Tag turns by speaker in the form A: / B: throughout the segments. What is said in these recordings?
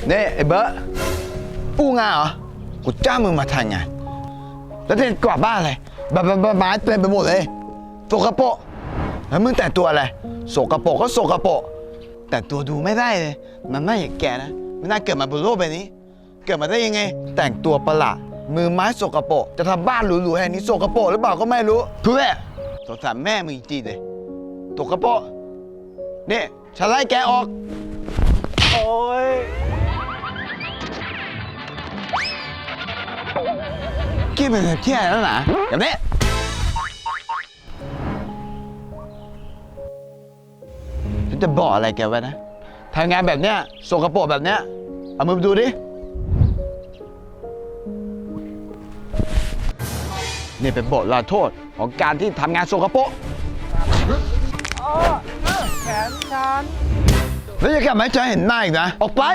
A: นี่ไอ้เบิร์ตอู้งานเหรอกูจ้างมึงมาทำงานแล้วจะกวาดบ้านอะไรไม้เต็มไปหมดเลยสกปรกแล้วมึงแต่งตัวอะไรสกปรกก็สกปรกแต่งตัวดูไม่ได้เลยมันไม่อย่างแกนะไม่น่าเกิดมาบนโลกใบนี้เกิดมาได้ยังไงแต่งตัวประหลาดมือไม้สกปรกจะทำบ้านหรูๆแห่งนี้สกปรกหรือเปล่าก็ไม่รู้เพื่อสงสารแม่มึงจริงๆเลยสกปรกนี่ฉันไล่แกออกโอ้ยกี้เป็นเที่ยแล้วนะอย่างนี้ฉันจะบอกอะไรแกไว้นะทำงานแบบเนี้ยสกปรกแบบเนี้ยเอามือไปดูดินี่เป็นบทลาโทษของการที่ทำงานสกปรกแขนฉันแล้วจะกลับมาให้ฉันเห็นหน้าอีกนะออกไป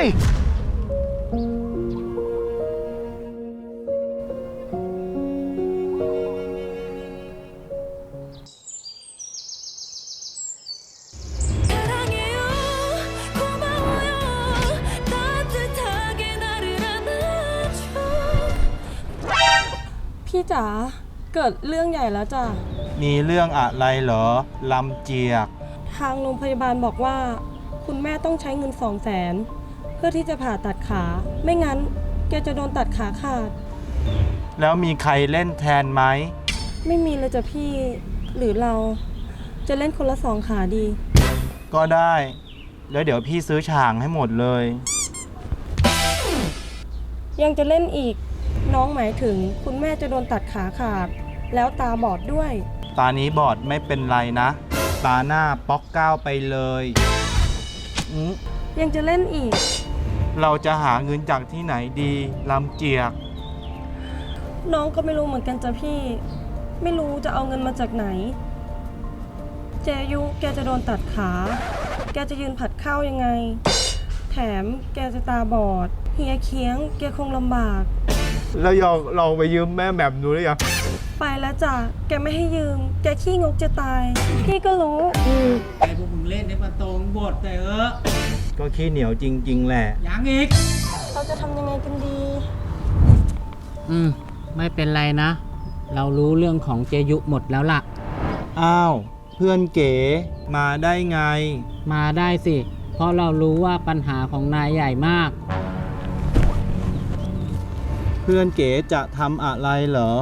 B: พี่จ๋าเกิดเรื่องใหญ่แล้วจ้ะ
C: มีเรื่องอะไรเหรอลำเจียก
B: ทางโรงพยาบาลบอกว่าคุณแม่ต้องใช้เงิน200,000เพื่อที่จะผ่าตัดขาไม่งั้นแกจะโดนตัดขาขาด
C: แล้วมีใครเล่นแทนไหม
B: ไม่มีเลยจ้ะพี่หรือเราจะเล่นคนละ2 ขาดี
C: ก็ได้แล้วเดี๋ยวพี่ซื้อฉางให้หมดเลย
B: ยังจะเล่นอีกน้องหมายถึงคุณแม่จะโดนตัดขาขาดแล้วตาบอดด้วย
C: ตานี้บอดไม่เป็นไรนะตาหน้าป๊อกเก้าไปเลย
B: ยังจะเล่นอีก
C: เราจะหาเงินจากที่ไหนดีลำเจียก
B: น้องก็ไม่รู้เหมือนกันจ้ะพี่ไม่รู้จะเอาเงินมาจากไหนเจยุแกจะโดนตัดขาแกจะยืนผัดข้าวยังไงแถมแกจะตาบอดเฮียเคียงแกคงลำบาก
C: แล้วลองไปยืมแม่แบบดูหรือยัง
B: ไปแล้วจ้ะแกไม่ให้ยืมแกขี้งกจะตายพี่ก็รู้
D: ไอ้พวกมึงเล่นในประตูบทแต่
C: ก็ขี้เหนียวจริงๆแหละ
D: ยังอีก
B: เราจะทำยังไงกันดี
D: ไม่เป็นไรนะเรารู้เรื่องของเจยุหมดแล้วล่ะ
C: อ้าวเพื่อนเก๋มาได้ไง
D: มาได้สิเพราะเรารู้ว่าปัญหาของนายใหญ่มาก
C: เพื่อนเก๋จะทำอะไรเหรอ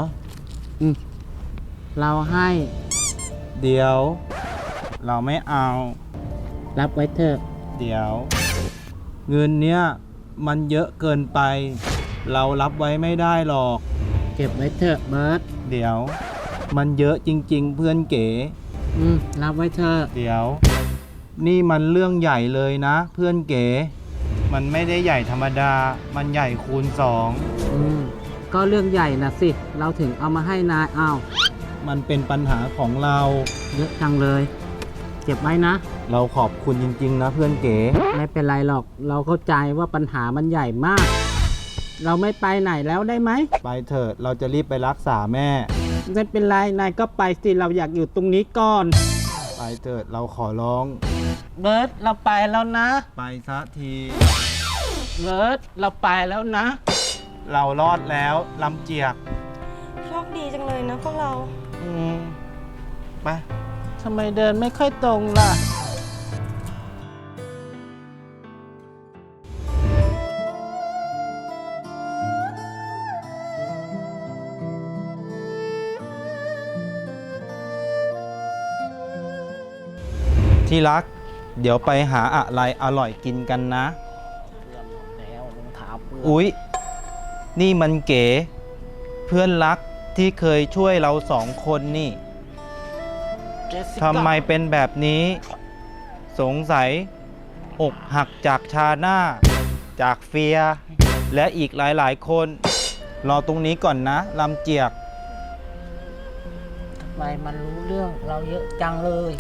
D: เราให้
C: เดี๋ยวเราไม่เอา
D: รับไว้เถอะ
C: เดี๋ยวเงินเนี้ยมันเยอะเกินไปเรารับไว้ไม่ได้หรอก
D: เก็บไว้เถอะเบิร์ต
C: เดี๋ยวมันเยอะจริงๆเพื่อนเก๋
D: รับไว้เถอะ
C: เดี๋ยวนี่มันเรื่องใหญ่เลยนะเพื่อนเก๋มันไม่ได้ใหญ่ธรรมดามันใหญ่คูณ2
D: ก็เรื่องใหญ่นะสิเราถึงเอามาให้นายอ้าว
C: มันเป็นปัญหาของเรา
D: เยอะจังเลยเก็บไว้นะ
C: เราขอบคุณจริงๆนะเพื่อนเก๋
D: ไม่เป็นไรหรอกเราเข้าใจว่าปัญหามันใหญ่มากเราไม่ไปไหนแล้วได้ไหม
C: ไปเถอะเราจะรีบไปรักษาแม่
D: ไม่เป็นไรนายก็ไปสิเราอยากอยู่ตรงนี้ก่อน
C: ไปเถอะเราขอร้อง
D: เบิร์ตเราไปแล้วนะ
C: ไปสักที
D: เบิร์ตเราไปแล้วนะ
C: เรารอดแล้วลำเจียก
B: โชคดีจังเลยนะพวกเรา
C: ไป
D: ทำไมเดินไม่ค่อยตรงล่ะ
C: ที่รักเดี๋ยวไปหาอะไรอร่อยกินกันนะอุ๊ยนี่มันเก๋เพื่อนรักที่เคยช่วยเรา2 คนนี่ทำไมเป็นแบบนี้สงสัยอกหักจากชาหน้าจากเฟียและอีกหลายๆคนรอตรงนี้ก่อนนะลำเจียก
D: ทำไมมันรู้เรื่องเราเยอะจังเลย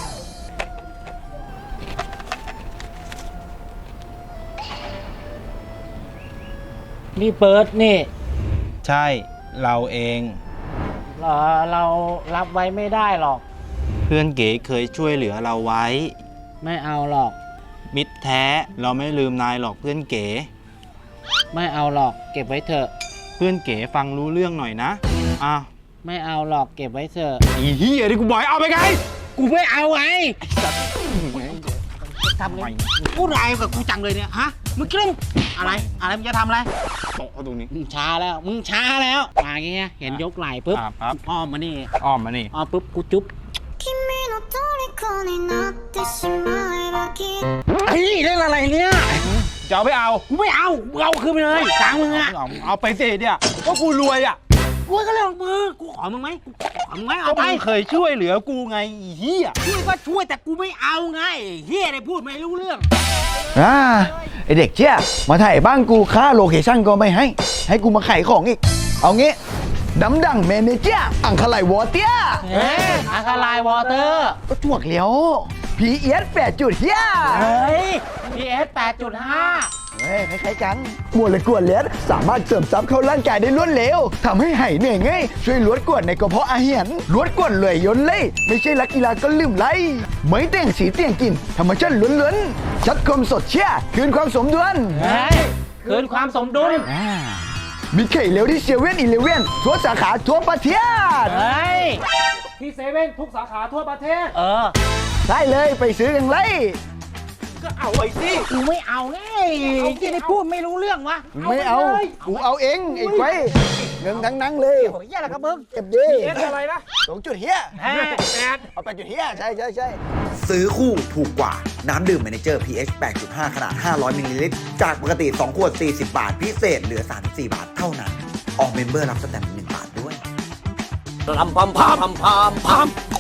D: นี่เปิดนี่
C: ใช่เราเอง
D: เรารับไว้ไม่ได้หรอก
C: เพื่อนเก๋เคยช่วยเหลือเราไว้
D: ไม่เอาหรอก
C: มิตรแท้เราไม่ลืมนายหรอกเพื่อนเก๋
D: ไม่เอาหรอกเก็บไว้เถอะ
C: เพื่อนเก๋ฟังรู้เรื่องหน่อยนะอ่ะ
D: ไม่เอาหรอกเก็บไว้เถอะ
C: อีเหี้ยที่กูบอกให้เอาไปไง
D: กูไม่เอาไงทำไงกูไรายกับกูจังเลยเนี่ยฮะมึงคิดว่าอะไรมึงจะทำอะไร
C: โต๊ะตรงนี้
D: มึงช้าแล้วมาอย่างเงี้ยเห็นยกไหล่ปุ๊บ
C: ครับ
D: อ้อมมานี่
C: อ้อมมานี่
D: อ้อมปุ๊บกูจุ๊บ
E: 君の虜になってしまえばきっと
D: ไอ้เรื่องอะไรเนี่ย
C: จะเอาไปเอา
D: กูไม่เอามึงเอาคืนไปเลยตังค์มึงอะ
C: เอาไปสิเนี่ยก็กูรวยอ่ะ
D: กูก็เรื่องของมึงกูขอมึงไหมกูขอมึงไหมเอาไป
C: ก็มึงเคยช่วยเหลือกูไงอีเหี้ย
D: ช่วยก็ช่วยแต่กูไม่เอาไงเฮียอะไรพูดไม่รู้เรื่อง
A: ไอเด็กเชี่ยมาถ่ายบ้านกูค่าโลเคชั่นก็ไม่ให้กูมาขายของอีก เอางี้ดำดังเมเนเจอร์อังคลายวอเตีย
D: อาคาไลวอเตอร์
A: ก็จวกเลี้ยวพีเอส8 เฮีย
D: เฮ้ย PS 8.5
A: เฮ้ยคล้ายๆกันมวลกวนเลือดสามารถเสริมซับเข้าร่างกายได้รวดเร็วทำให้หายเหนื่อยง่ายช่วยลดกรดในกระเพาะอาหารลดกรดเลยยนเล่ไม่ใช่นักกีฬาก็ลืมไล่ไม่แต่งสีเตียงกินธรรมชาติล้วนๆชัดคมสดเชี่ยคืนความสมดุล
D: เฮ้ยคืนความสมดุล
A: มีไข่เร็วที่เซเว่นอีเลเว่นทั่วสาขาทั่วประเทศ
D: เฮ้ย
C: ที่เซเว่นทุกสาขาทั่วประเทศ
A: ได้เลยไปซื้อกันเลย
C: ก็เอาไว้สิ
D: กูไม่เอาไงที่ได้พูดไม่รู้เรื่องวะ
A: ไม่เอากูเอาเองไอ้ไว้เงินทั้งนั้นเลย
D: โอ้ยอะไรครับมึง
A: เก็บดี
C: เอสอะไรนะ
A: 2 จุดเฮีย
C: 8
A: เอา8 จุดเฮียใช่
F: ซื้อคู่ถูกกว่า น้ำดื่มเมเนเจอร์ pH 8.5 ขนาด 500 มิลลิลิตร จากปกติ 2 ขวด 40 บาท พิเศษเหลือ 34 บาทเท่านั้น ออกเมมเบอร์รับสแตมป์1 บาทด้วย
D: พาม